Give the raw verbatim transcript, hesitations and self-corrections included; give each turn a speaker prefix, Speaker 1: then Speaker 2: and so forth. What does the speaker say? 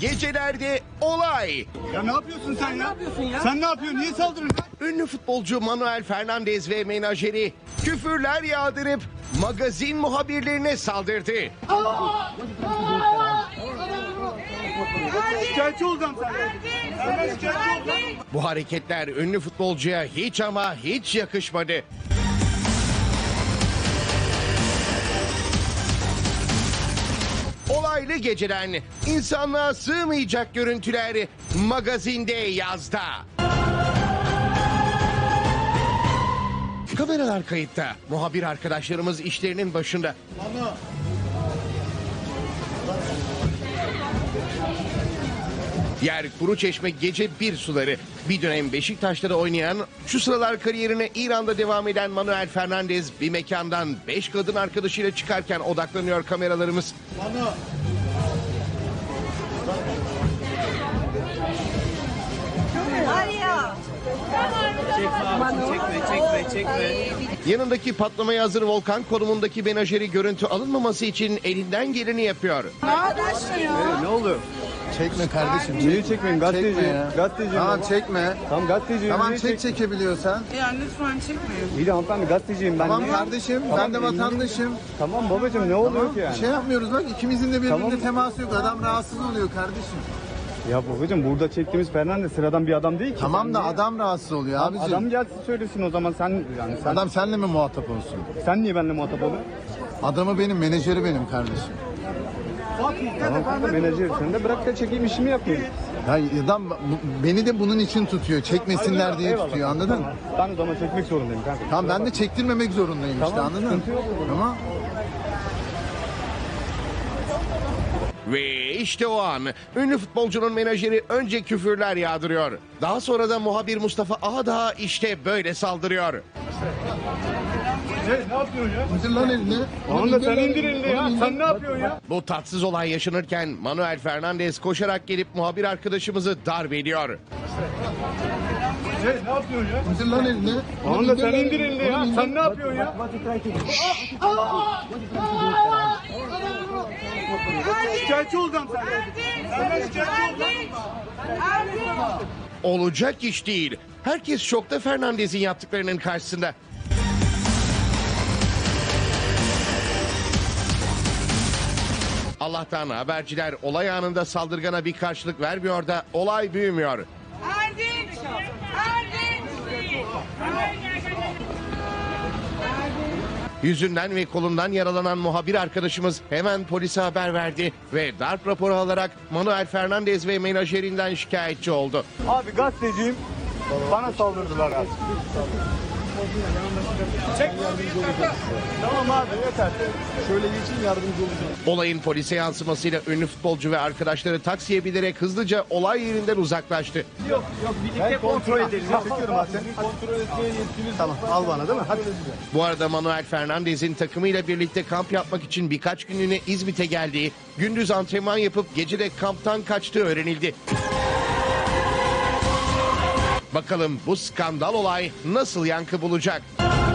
Speaker 1: Gecelerde olay.
Speaker 2: Ya ne yapıyorsun sen ya?
Speaker 3: Ne yapıyorsun ya?
Speaker 2: Sen ne yapıyorsun? Niye saldırıyorsun?
Speaker 1: Ünlü futbolcu Manuel Fernandez ve menajeri küfürler yağdırıp magazin muhabirlerine saldırdı.
Speaker 2: Şikayetçi olacağım senden. Senden şikayetçi olacağım.
Speaker 1: Bu hareketler ünlü futbolcuya hiç ama hiç yakışmadı. Olaylı geceden insanlığa sığmayacak görüntüler magazinde yazda. Kameralar kayıtta. Muhabir arkadaşlarımız işlerinin başında. Yer Kuruçeşme gece bir suları. Bir dönem Beşiktaş'ta da oynayan, şu sıralar kariyerine İran'da devam eden Manuel Fernandez bir mekandan beş kadın arkadaşıyla çıkarken odaklanıyor kameralarımız.
Speaker 3: Çekme, çekme, çekme.
Speaker 1: Yanındaki patlamaya hazır Volkan konumundaki menajeri görüntü alınmaması için elinden geleni yapıyor.
Speaker 2: Ne oluyor?
Speaker 4: Çekme kardeşim.
Speaker 2: Neyi çekmeyin? Gazeteci.
Speaker 4: Çekme ya.
Speaker 2: Gazeteci.
Speaker 4: Tamam çekme.
Speaker 2: Tamam gazeteciyim.
Speaker 4: Tamam
Speaker 2: Niye
Speaker 4: çek
Speaker 2: çek-
Speaker 4: çekebiliyorsan.
Speaker 3: Ya lütfen çekmeyin.
Speaker 2: İyi de hanımefendi gazeteciyim ben.
Speaker 4: Tamam
Speaker 2: Niye-
Speaker 4: kardeşim
Speaker 2: Tamam,
Speaker 4: ben de
Speaker 2: elini-
Speaker 4: vatandaşım.
Speaker 2: Tamam babacığım ne oluyor
Speaker 4: Tamam
Speaker 2: ki yani?
Speaker 4: şey yapmıyoruz bak ikimizin de birbirine
Speaker 2: Tamam.
Speaker 4: teması yok. Adam rahatsız oluyor kardeşim.
Speaker 2: Ya babacığım burada çektiğimiz Fernandez sıradan bir adam değil ki.
Speaker 4: Tamam
Speaker 2: Sen
Speaker 4: da
Speaker 2: niye-
Speaker 4: adam rahatsız oluyor
Speaker 2: Adam,
Speaker 4: abicim.
Speaker 2: adam gelsin söylesin o zaman sen yani sen,
Speaker 4: Adam seninle mi muhatap olsun?
Speaker 2: sen niye benimle muhatap oluyorsun?
Speaker 4: Adamı benim, menajeri benim kardeşim.
Speaker 2: Tamam kanka menajer sen de bırak da çekeyim işimi yapayım.
Speaker 4: Ya adam bu- beni de bunun için tutuyor. Çekmesinler diye
Speaker 2: Eyvallah.
Speaker 4: tutuyor anladın mı?
Speaker 2: Tamam. Ben o zaman çekmek zorundayım kanka.
Speaker 4: Tamam ben de çektirmemek zorundayım işte
Speaker 2: Tamam,
Speaker 4: anladın mı?
Speaker 2: sıkıntı yok o zaman.
Speaker 4: Tamam.
Speaker 1: Ve işte o an ünlü futbolcunun menajeri önce küfürler yağdırıyor. Daha sonra da muhabir Mustafa Ağdağ işte böyle saldırıyor.
Speaker 2: Ne, ne yapıyorsun ya?
Speaker 4: İndir lan elini.
Speaker 2: Tamam da sen
Speaker 4: lan
Speaker 2: indir elini ya.
Speaker 4: Onu indir.
Speaker 2: Sen ne yapıyorsun ya?
Speaker 1: Bu tatsız olay yaşanırken Manuel Fernandez koşarak gelip muhabir arkadaşımızı darp ediyor.
Speaker 2: Ne, ne yapıyorsun ya?
Speaker 4: İndir lan elini.
Speaker 2: Tamam
Speaker 4: Onu
Speaker 2: da sen
Speaker 4: lan.
Speaker 2: indir elini ya.
Speaker 4: Onu indir.
Speaker 2: Sen ne yapıyorsun ya? Şikayetçi olacağım senden. Senden şikayetçi olacağım.
Speaker 1: Olacak iş değil. Herkes şokta Fernandez'in yaptıklarının karşısında. Allah'tan haberciler olay anında saldırgana bir karşılık vermiyor da olay büyümüyor.
Speaker 5: Erdinç! Erdinç!
Speaker 1: Yüzünden ve kolundan yaralanan muhabir arkadaşımız hemen polise haber verdi ve darp raporu alarak Manuel Fernandez ve menajerinden şikayetçi oldu.
Speaker 2: Abi gazeteciyim. Bana saldırdılar abi. Çek. Tamam abi yeter.
Speaker 4: Şöyle geçin yardımcı olacağım.
Speaker 1: Olayın polise yansımasıyla ünlü futbolcu ve arkadaşları taksiye binerek hızlıca olay yerinden uzaklaştı.
Speaker 2: Yok yok birlikte kontrol edelim. Çekiyorum abi. Kontrol etmeye yetkiniz. Tamam al bana değil mi? Hadi.
Speaker 1: Bu arada Manuel Fernandez'in takımıyla birlikte kamp yapmak için birkaç günlüğüne İzmit'e geldiği, gündüz antrenman yapıp gece de kamptan kaçtığı öğrenildi. Bakalım bu skandal olay nasıl yankı bulacak?